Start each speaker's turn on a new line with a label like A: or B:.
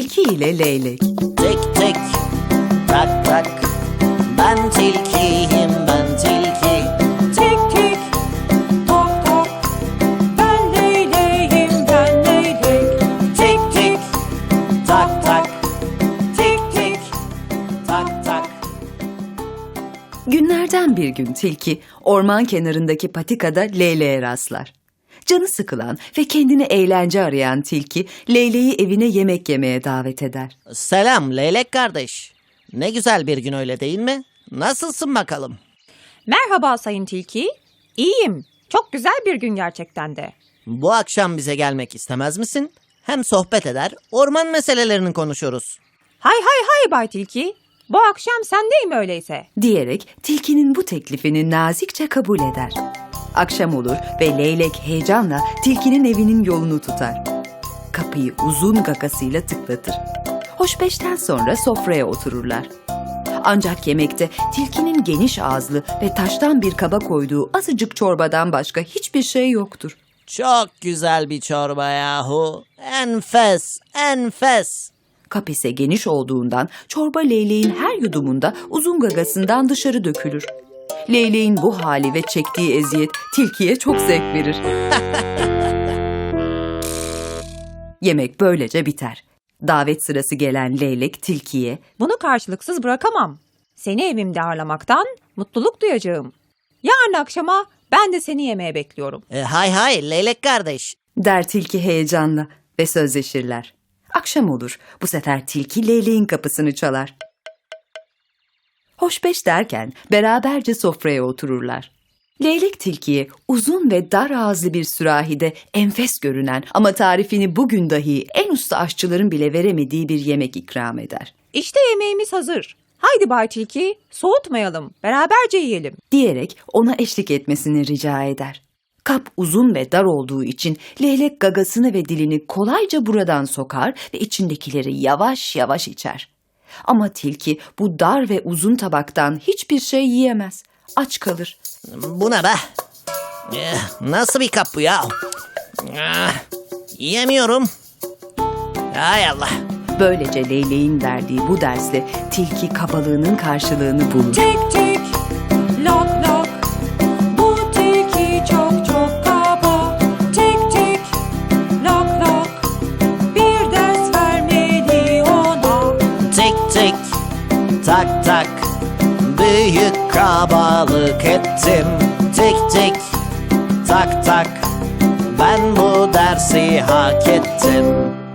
A: Tilki ile Leylek.
B: Tik tik, tak tak, ben tilkiyim, ben tilki.
C: Tik tik, tok tok, ben leyleğim, ben leylek.
B: Tik tik, tak tak, tik tik, tak tak.
A: Günlerden bir gün tilki orman kenarındaki patikada leyleğe rastlar. Canı sıkılan ve kendine eğlence arayan tilki leyleği evine yemek yemeye davet eder.
B: Selam leylek kardeş. Ne güzel bir gün öyle değil mi? Nasılsın bakalım?
C: Merhaba Sayın Tilki. İyiyim. Çok güzel bir gün gerçekten de.
B: Bu akşam bize gelmek istemez misin? Hem sohbet eder, orman meselelerini konuşuruz.
C: Hay hay hay Bay Tilki. Bu akşam sendeyim öyleyse.
A: Diyerek tilkinin bu teklifini nazikçe kabul eder. Akşam olur ve leylek heyecanla tilkinin evinin yolunu tutar. Kapıyı uzun gagasıyla tıklatır. Hoşbeşten sonra sofraya otururlar. Ancak yemekte tilkinin geniş ağızlı ve taştan bir kaba koyduğu azıcık çorbadan başka hiçbir şey yoktur.
B: Çok güzel bir çorba yahu. Enfes, enfes.
A: Kap ise geniş olduğundan çorba leyleğin her yudumunda uzun gagasından dışarı dökülür. Leyleğin bu hali ve çektiği eziyet tilkiye çok zevk verir. Yemek böylece biter. Davet sırası gelen leylek tilkiye
C: Bunu karşılıksız bırakamam. Seni evimde ağırlamaktan mutluluk duyacağım. Yarın akşama ben de seni yemeğe bekliyorum.
B: Hay hay leylek kardeş.
A: der tilki heyecanla ve sözleşirler. Akşam olur. Bu sefer tilki leyleğin kapısını çalar. Hoşbeş derken beraberce sofraya otururlar. Leylek tilkiye uzun ve dar ağızlı bir sürahide enfes görünen ama tarifini bugün dahi en usta aşçıların bile veremediği bir yemek ikram eder.
C: İşte yemeğimiz hazır. Haydi Bay Tilki, soğutmayalım, beraberce yiyelim.
A: Diyerek ona eşlik etmesini rica eder. Kap uzun ve dar olduğu için leylek gagasını ve dilini kolayca buradan sokar ve içindekileri yavaş yavaş içer. Ama tilki bu dar ve uzun tabaktan hiçbir şey yiyemez. Aç kalır.
B: Bu ne be? Nasıl bir kap bu ya? Yiyemiyorum. Hay Allah.
A: Böylece leyleğin verdiği bu dersle tilki kabalığının karşılığını bulur.
C: Tik tik, lok lok, bu tilki çok çok kaba. Tik tik, lok lok, bir ders vermeli ona.
B: Tik tik, tak tak, büyük kabalık ettim. Tik tik, tak tak, ben bu dersi hak ettim.